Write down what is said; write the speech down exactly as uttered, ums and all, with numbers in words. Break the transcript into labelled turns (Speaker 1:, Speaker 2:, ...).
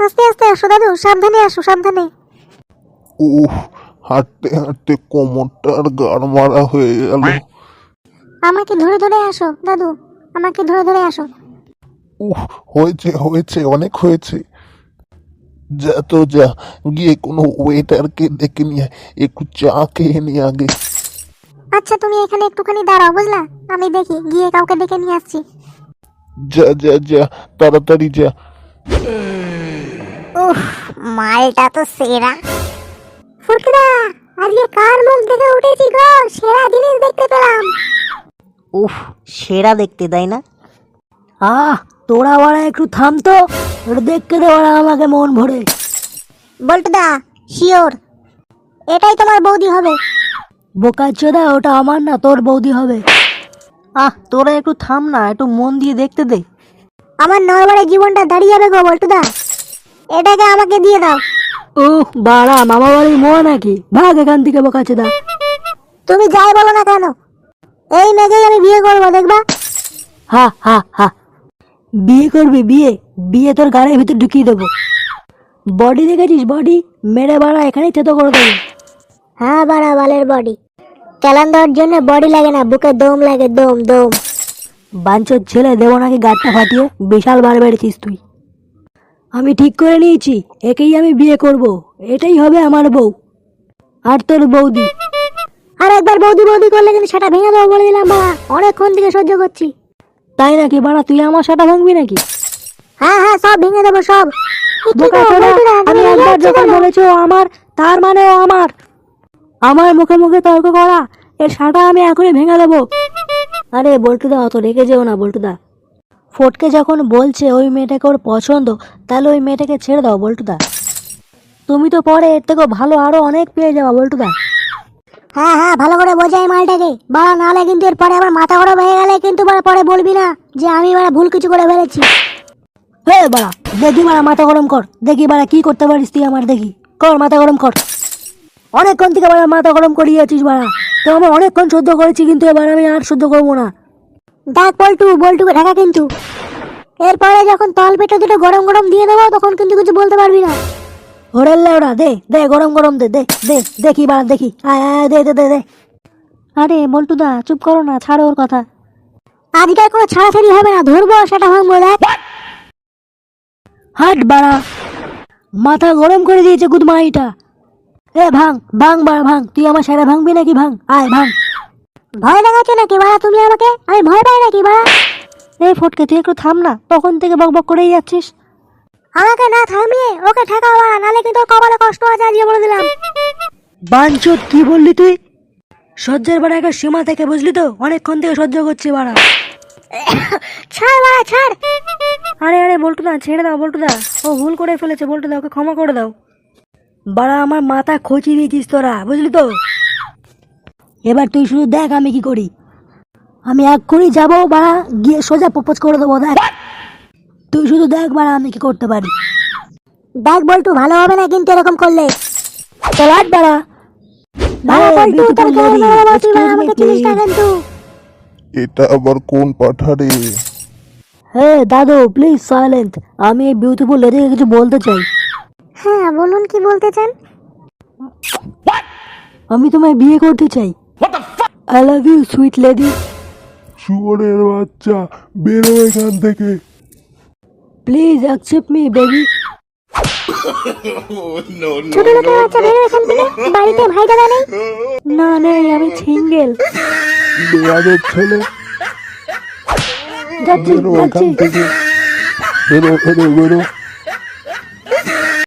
Speaker 1: আস্তে আস্তে আসো দাদু, সাবধানে আসো, সাবধানে।
Speaker 2: উহ, হাঁটতে হাঁটতে কোমরটার গাড় মারা হয়ে গেল।
Speaker 1: আমাকে ধরে ধরে আসো দাদু, আমাকে ধরে ধরে আসো।
Speaker 2: উহ, হয়েছে হয়েছে, অনেক হয়েছে। যা তো যা, গিয়ে কোনো ওয়েটারকে ডেকে নিয়ে আয়, একটু চা খেয়ে নি আগে।
Speaker 1: আচ্ছা তুমি এখানে একটুখানি দাঁড়াও, বুঝলা? আমি দেখি গিয়ে কাউকে ডেকে নিয়ে আসছি।
Speaker 2: যা যা যা, তাড়াতাড়ি যা।
Speaker 1: উফ, মালটা তো সেরা। ফুটদা, আজকে কার মুখ দেখে উঠেছি গো, সেরা জিনিস দেখতে পেলাম।
Speaker 3: উফ, সেরা দেখতে, তাই না? আহ, তোরা বাড়া একটু থাম তো, ওটা দেখতে দে বাড়া আমাকে মন ভরে।
Speaker 1: বল্টুদা, শিওর এটাই তোমার বৌদি হবে?
Speaker 3: বোকাচোদা, ওটা আমার না, তোর বৌদি হবে। আহ, তোরা একটু থাম না, একটু মন দিয়ে দেখতে দে।
Speaker 1: আমার নরবরে জীবনটা দাঁড়িয়ে যাবে গো বল্টুদা, এটাকে আমাকে দিয়ে দাও।
Speaker 3: উহ, বাড়া মামা বাড়ির মোয়া নাকি? ভাগ এখান থেকে বোকাচোদা।
Speaker 1: তুমি যাই বলো না কেন, এই মেয়েকেই আমি বিয়ে করবো, দেখবা?
Speaker 3: হা হা হা, বিয়ে করবি? বিয়ে বিয়ে তোর গাড়ির ভিতর ঢুকিয়ে দেবো। বডি দেখেছিস? বডি মেরে বাড়া এখানেই থেতো করে দেবো।
Speaker 1: হ্যাঁ বাড়া বালের বডি, চালান দেওয়ার জন্য বডি লাগে না, বুকে দম লাগে, দম দম।
Speaker 3: বাঞ্চোর ছেলে, দেবো নাকি গাড়টা ফাটিয়ে? বিশাল বার বেড়েছিস তুই। আমি ঠিক করে নিয়েছি, একেই আমি বিয়ে করব, এটাই হবে আমার বউ। আর তোর বৌদি,
Speaker 1: আর একবার বৌদি বৌদি করলে কিন্তু সেটা ভেঙে দেবো বলে দিলাম বাড়া, অনেকক্ষণ থেকে সহ্য করছি।
Speaker 3: তাই নাকি বাড়া? তুই আমার সাটা ভাঙবি নাকি?
Speaker 1: হ্যাঁ হ্যাঁ, সব ভেঙে দেবো সব। এ কি গো,
Speaker 3: বোকাচোদা,
Speaker 1: বল্টুদা,
Speaker 3: আমি
Speaker 1: তুমি
Speaker 3: একবার
Speaker 1: যাচ্ছো
Speaker 3: যখন
Speaker 1: কেন?
Speaker 3: বলেছো আমার, তার মানে ও আমার। আমার মুখে মুখে তর্ক করা, এর সাটা আমি এখনই ভেঙে দেবো। আরে বল্টুদা, অত রেখে যেও না বল্টুদা। ফটকে যখন বলছে ওই মেয়েটাকে ওর পছন্দ, তাহলে ওই মেয়েটাকে ছেড়ে দাও বল্টুদা। তুমি তো পরে এর থেকেও ভালো আরো অনেক পেয়ে যাবা বল্টুদা।
Speaker 1: হ্যাঁ হ্যাঁ, ভালো করে বোঝাই মালটাকে বাড়া, নাহলে কিন্তু এর পরে আবার মাথা গরম হয়ে গেলে কিন্তু বাড়া পরে বলবি না যে আমি বাড়া ভুল কিছু করে ফেলেছি।
Speaker 3: হে বাড়া, দেখি বাড়া মাথা গরম কর, দেখি বাড়া কি করতে পারিস তুই আমার, দেখি কর মাথা গরম কর। অনেকক্ষণ থেকে বাড়া মাথা গরম করিয়েছিস বাড়া, তো আমি অনেকক্ষণ সহ্য করেছি, কিন্তু এবার আমি আর সহ্য করবো না।
Speaker 1: দেখ বল্টু, বল্টুকে ঢাকা কিন্তু, এরপরে যখন তল পেটে দুটো গরম গরম দিয়ে দেবো তখন কিন্তু কিছু বলতে পারবি না।
Speaker 3: ওরে ওরা দে দে, গরম গরম দে দে দে, দেখি বাড়া দেখি, আয় আয়, দে দে দে দে। আরে বল্টুদা চুপ করো না, ছাড়ো ওর কথা।
Speaker 1: আজকাল কোনো ছাড়াছাড়ি হবে না, ধরবো সেটা ভাঙবো, দেখ।
Speaker 3: হাট বাড়া, মাথা গরম করে দিয়েছে গুদমাইটা। এ ভাঙ ভাঙ বাড়া ভাঙ, তুই আমার সেরা ভাঙবি নাকি? ভাঙ, আয় ভাঙ।
Speaker 1: ভয় দেখাচ্ছ নাকি বাড়া তুমি আমাকে? আমি ভয় পাই নাকি বাড়া?
Speaker 3: এই ফটকে, তুই একটু থাম না, তখন থেকে বক বক করেই যাচ্ছিস।
Speaker 1: আমাকে না থামিয়ে ওকে ঠেকাও বাড়া, নাহলে কিন্তু ওর কপালে কষ্ট আছে আজকে বলে দিলাম।
Speaker 3: বাঞ্চোদ, কি বললি তুই? সহ্যের বাড়া একটা সীমা থেকে, বুঝলি তো? অনেকক্ষণ থেকে সহ্য করছি বাড়া।
Speaker 1: ছাড় বাড়া ছাড়।
Speaker 3: আরে আরে বল্টুদা, ছেড়ে দাও বল্টুদা, ও ভুল করে ফেলেছে বল্টুদা, ওকে ক্ষমা করে দাও। বাড়া আমার মাথা খচিয়ে দিয়েছিস তোরা, বুঝলি তো? এবার তুই শুধু দেখ আমি কি করি। আমি এক্ষুনি যাবো বাড়া, গিয়ে সোজা প্রপোজ করে দেবো, দেখ তুই শুধু দেখ বাড়া আমি কি করতে পারি।
Speaker 1: দেখ বল্টু, ভালো হবে না কিন্তু এরকম করলে।
Speaker 3: চল আট বাড়া।
Speaker 1: বাড়া বল্টু, তোর গায়ে মেরে দেবো, তুই বাড়া আমাকে চিনিস না কিন্তু।
Speaker 2: এটা আবার কোন পাঠারে?
Speaker 3: হে দাদু, প্লিজ সাইলেন্ট, আমি এই বিউটিফুল লেডিকে কিছু বলতে চাই।
Speaker 1: হ্যাঁ বলুন, কি বলতে চান?
Speaker 3: আমি তোমায় বিয়ে করতে চাই। I love you sweet lady.
Speaker 2: শুয়োরের বাচ্চা, বেরো এখান থেকে।
Speaker 3: Please accept me baby.
Speaker 1: ছোট লোকের বাচ্চা, বেরো এখান থেকে। বাড়িতে ভাই দাদা নেই?
Speaker 3: না নেই, আমি সিঙ্গেল।
Speaker 2: বেয়াদের ছেলে,
Speaker 3: যাচ্ছি
Speaker 2: বেরো এখান
Speaker 3: যাচ্ছি।
Speaker 2: থেকে। বেরো বেরো বেরো।